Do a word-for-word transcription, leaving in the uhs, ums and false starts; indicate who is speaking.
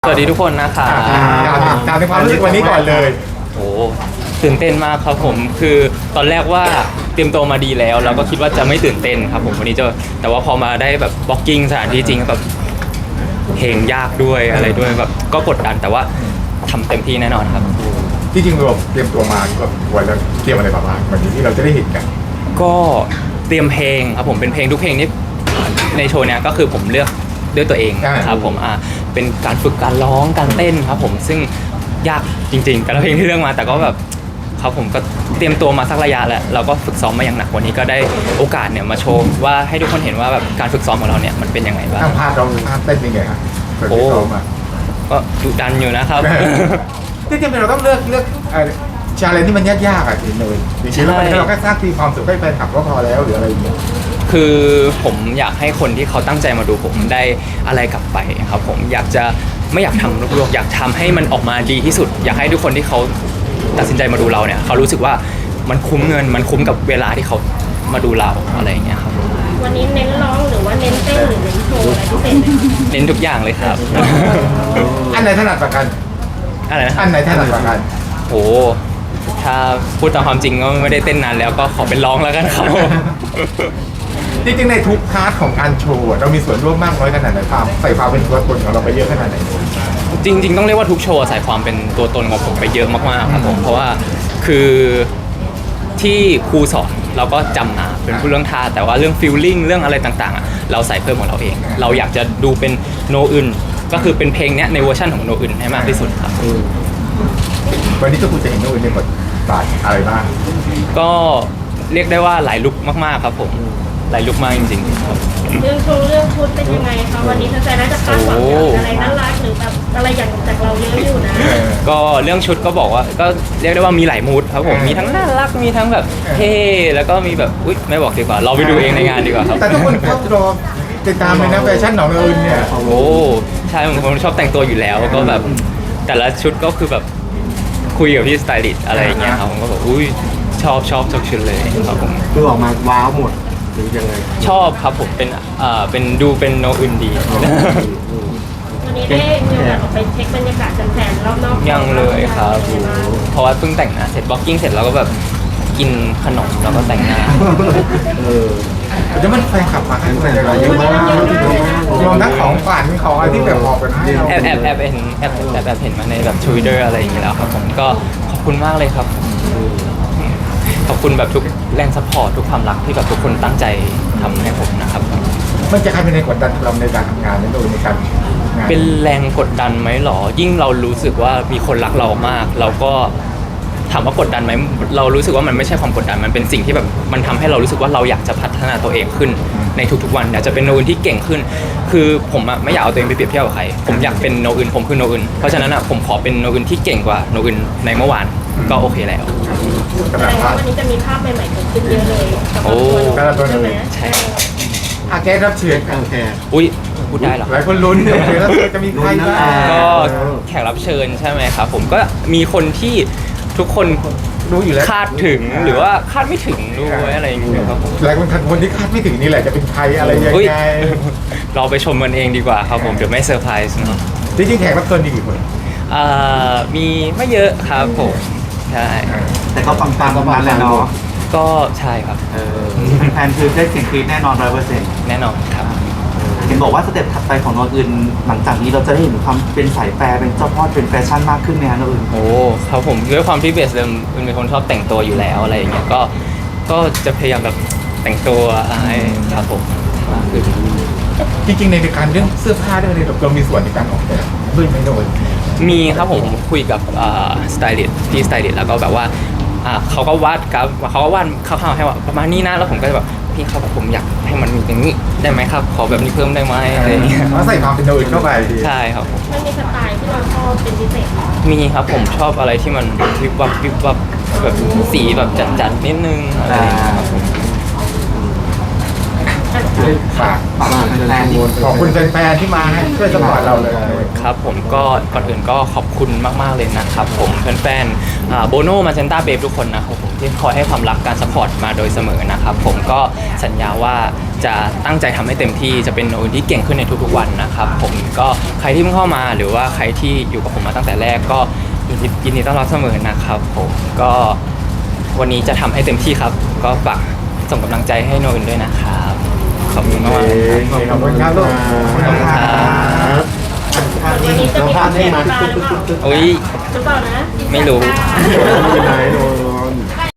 Speaker 1: สวัสดีทุกคนนะคะ
Speaker 2: ถามในความรู้สึกวันนี้ก่อนเลย
Speaker 1: โอ้ตื่นเต้นมากครับผมคือตอนแรกว่าเตรียมตัวมาดีแล้วเราก็คิดว่าจะไม่ตื่นเต้นครับผมวันนี้จะแต่ว่าพอมาได้แบบบล็อกกิ้งสถานที่จริงแบบเพลงยากด้วยอะไรด้วยแบบก็กดดันแต่ว่าทำเต็มที่แน่นอนครับ
Speaker 2: ที่จริงเราเตรียมตัวมาก็วันแล้วเตรียมอะไรบ้างวันนี้ที่เราจะได้เห็นกัน
Speaker 1: ก็เตรียมเพลงครับผมเป็นเพลงทุกเพลงที่ในโชว์เนี้ยก็คือผมเลือกด้วยตัวเองครับผมอ่าเป็นการฝึกการร้องการเต้นครับผมซึ่งยากจริงๆแต่ละเพลงที่เลือกมาแต่ก็แบบครับผมก็เตรียมตัวมาสักระยะแล้วเราก็ฝึกซ้อมมาอย่างหนักวันนี้ก็ได้โอกาสเนี่ยมาโชว์ว่าให้ทุกคนเห็นว่าแบบการฝึกซ้อมของเราเนี่ยมันเป็นยังไงบ้าง
Speaker 2: ภาพเราภาพเต้นยังไงครับ
Speaker 1: โอ้ก็ดุดันอยู่นะครับ
Speaker 2: ที่จริงเราต้องเลือกเลือกชาเลนจ์ที่มันยากๆอ่ะทีเลยจริงๆแล้วเราแค่สร้างความสุขให้แฟนคลับก็พอแล้วหรืออะไรอย่างเงี้ย
Speaker 1: คือผมอยากให้คนที่เขาตั้งใจมาดูผมได้อะไรกลับไปครับผมอยากจะไม่อยากทำลวกๆอยากทำให้มันออกมาดีที่สุดอยากให้ทุกคนที่เขาตัดสินใจมาดูเราเนี่ยเขารู้สึกว่ามันคุ้มเงินมันคุ้มกับเวลาที่เขามาดูเราอะไรอย่างเงี้ยครับ
Speaker 3: วันนี้เน้นร้องหรือว่าเน้นเต้นหรือเน้นโชว์อะไรพิเศษไหม
Speaker 1: เน้นทุกอย่างเลยครับ
Speaker 2: อันไหนถนัดกว่ากัน
Speaker 1: อะไรนะ
Speaker 2: อันไหนถนัดกว่ากัน
Speaker 1: โอ้ถ้าพูดตามความจริงก็ไม่ได้เต้นนานแล้วก็ขอเป็นร้องแล้วกันครับ
Speaker 2: จริงๆในทุกพาร์ทของการโชว์เรามีส่วนร่วมมากน้อยขนาดไหนความใส่ความเป็นตัวตนของเราไปเยอะขนาดไหน
Speaker 1: จริงๆต้องเรียกว่าทุกโชว์ใส่ความเป็นตัวตนของผมไปเยอะมากๆครับผมเพราะว่าคือที่ครูสอนเราก็จำมาเป็นผู้เรื่องท่าแต่ว่าเรื่องฟีลลิ่งเรื่องอะไรต่างๆเราใส่เพิ่มของเราเองเราอยากจะดูเป็นโนอื่นก็คือเป็นเพลงนี้ในเวอร์ชันของโนอื่นให้มากที่สุดครับ
Speaker 2: วันนี้ก็คุณจะเห็นโนอื่นในบทบาทอะไรบ้าง
Speaker 1: ก็เรียกได้ว่าหลายลุคมากๆครับผมหลายลุคมากจริงๆครับ
Speaker 3: เรื่องโชว์เรื่องชุดเป็นยังไงคะวันนี้แฟนๆน่าจะคาดหวังอะไรน่ารักหรือแบบอะไรอย่างจากเราเยอะอยู่นะ
Speaker 1: ก็เรื่องชุดก็บอกว่าก็เรียกได้ว่ามีหลายมูดครับผมมีทั้งน่ารักมีทั้งแบบเท่แล้วก็มีแบบอุ๊ยไม่บอกดีกว่าเราไปดูเองในงานดีกว่าครับ
Speaker 2: แต่ทุกคนก็รอติดตามเลยนะแฟชั่นของเราเนี่ย
Speaker 1: โอ้ใช่ผมผมชอบแต่งตัวอยู่แล้วก็แบบแต่ละชุดก็คือแบบคุยกับพี่สไตลิสต์อะไรอย่างเงี้ยครับผมก็แบบอุ้ยชอบชอบทุกชุดเลยครับผม
Speaker 4: คือออกมาว้าวหมดหรือยังไง
Speaker 1: ชอบครับผมเป็นอ่าเป็นดูเป็นโนอื่นดี
Speaker 3: วันนี้ได้มีโอกาสออกไปเช็คบรรยากาศแฟนๆรอบนอก
Speaker 1: ยังเลยครับเพราะว่าเพิ่งแต่งหน้าเสร็จบล็อกกิ้งเสร็จแล้วก็แบบกินขนมแล้วก็แต่งหน้า
Speaker 2: เออจะมันแฟนคลับมาให้เราเยอะมากรวมทั้งของฝันของอะไรที่แบบออกเป็นให้เรา
Speaker 1: แอบแอบแอบเห็นแอบแอบแอบเห็นมาในแบบทวิตเตอร์อะไรอย่างเงี้ยแล้วครับผมก็ขอบคุณมากเลยครับขอบคุณแบบทุกแรงซัพพอร์ตทุกความรักที่แบบทุกคนตั้งใจทำให้ผมนะครับ
Speaker 2: มันจะกลายเป็นแรงกดดันเราในการทำงานนั่นเองในการ
Speaker 1: เป็นแรงกดดันไหมหรอยิ่งเรารู้สึกว่ามีคนรักเรามากเราก็ถามว่ากดดันไหมเรารู้สึกว่ามันไม่ใช่ความกดดันมันเป็นสิ่งที่แบบมันทำให้เรารู้สึกว่าเราอยากจะพัฒนาตัวเองขึ้นในทุกๆวันอยากจะเป็นโนอื่นที่เก่งขึ้นคือผมอะไม่อยากเอาตัวเองไปเปรียบเทียบกับใครผมอยากเป็นโนอื่นผมคือโนอื่นเพราะฉะนั้นอะผมขอเป็นโนอื่นที่เก่งกว่าโนอื่นในเมื่อวานก็โอเคแล้ว
Speaker 3: แสดงว่าวันนี้จะมีภาพใหม่ๆเกิดขึ้นเยอะเลย
Speaker 1: โอ้
Speaker 3: ใช่ไหม
Speaker 1: ใช่
Speaker 2: อาแกรับเชิญโอเค
Speaker 1: อุ้ยพูดได้หรอ
Speaker 2: หลายคนลุ้นเนี่ยแล้วจะมีใครบ้าง
Speaker 1: ก็แขกรับเชิญใช่ไหมครับผมก็มีคนที่ทุกคน
Speaker 2: รู้อยู่แล้ว
Speaker 1: คาดถึงหรือว่าคาดไม่ถึงด้วยอะไรอย่างเงี้ยครับผม
Speaker 2: หลายคนคนที่คาดไม่ถึงนี่แหละจะเป็นใครอะไรยังไง
Speaker 1: เราไปชมกันเองดีกว่าครับผมเดี๋ยวไม่เซอร์ไพรส์เนาะ
Speaker 2: จริงๆแขกรับเชิญมีกี่คน
Speaker 1: อ่ามีไม่เยอะครับผมใช่
Speaker 4: แต่ก็ปังๆประมาณแล้วเนาะ
Speaker 1: ก็ใช่ครับ
Speaker 4: เออแฟนคือได้เสียงกรี๊ดแน่นอนร้อยเปอร์เซ็นต์
Speaker 1: แน่นอนครับ
Speaker 4: เห็นบอกว่าสเต็ปถัดไปของโนอื่นหลังจากนี้เราจะได้เห็นความเป็นสายแฟร์เป็นเจ้าพ่อเป็นแฟชั่นมากขึ้นไหมฮะโนอื่น
Speaker 1: โอ้ครับผมด้วยความที่เบสเดิมเป็นคนชอบแต่งตัวอยู่แล้วอะไรอย่างเงี้ยก็ก็จะพยายามแบบแต่งตัวให้ครับผมมากขึ้น
Speaker 2: จริงๆในการเรื่องเสื้อผ้าเรื่องอะไรเรามีส่วนในการออกแบบด้วยไหมโนอื่น
Speaker 1: มีครับผมคุยกับสไตลิสต์พี่สไตลิสต์แล้วก็แบบว่าเขาก็วาดครับเขาก็วาดคร่าวๆให้ว่าประมาณนี้นะแล้วผมก็จะแบบพี่ครับผมอยากให้มันมีอย่างนี้ได้ไหมครับขอแบบนี้เพิ่มได้ไหมอะไรอย่างเงี้ย
Speaker 2: ใส่ความเป็นโนอื่นเข้าไป
Speaker 1: ใช่ครับผม
Speaker 3: มันมีสไตล์ที่เราชอบเป็นพิเศษ
Speaker 1: มีครับผมชอบอะไรที่มันวิบวับวิบวับแบบสีแบบจัดๆนิดนึงอะไรอย่างเงี้ยครับผม
Speaker 2: ฝาก
Speaker 4: ฝากแฟนๆ
Speaker 2: ขอบคุณแฟนๆที่มาให้ช่วยสปอร์ตเราเลย
Speaker 1: ครับผมก็ก่อนอื่นก็ขอบคุณมากๆเลยนะครับผมแฟนๆโบโน่มาเซนต้าเบฟทุกคนนะครับผมที่คอยให้ความรักการสปอร์ตมาโดยเสมอนะครับผมก็สัญญาว่าจะตั้งใจทำให้เต็มที่จะเป็นโนอื่นที่เก่งขึ้นในทุกๆวันนะครับผมก็ใครที่เพิ่งเข้ามาหรือว่าใครที่อยู่กับผมมาตั้งแต่แรกก็ยินดียินดีต้อนรับเสมอนะครับผมก็วันนี้จะทำให้เต็มที่ครับก็ฝากส่งกำลังใจให้โนอื่นด้วยนะครับขอบคุณมากๆเลยครับ
Speaker 2: ขอบคุณครับลูก
Speaker 1: ขอบคุณครับ
Speaker 3: วันนี้จะมีคอนเทนต์มาหรือเปล่า
Speaker 1: อุ้ย
Speaker 3: หรือเปล่านะ
Speaker 1: ไม่รู้
Speaker 3: อ่า
Speaker 5: ไม่เป็นไรโน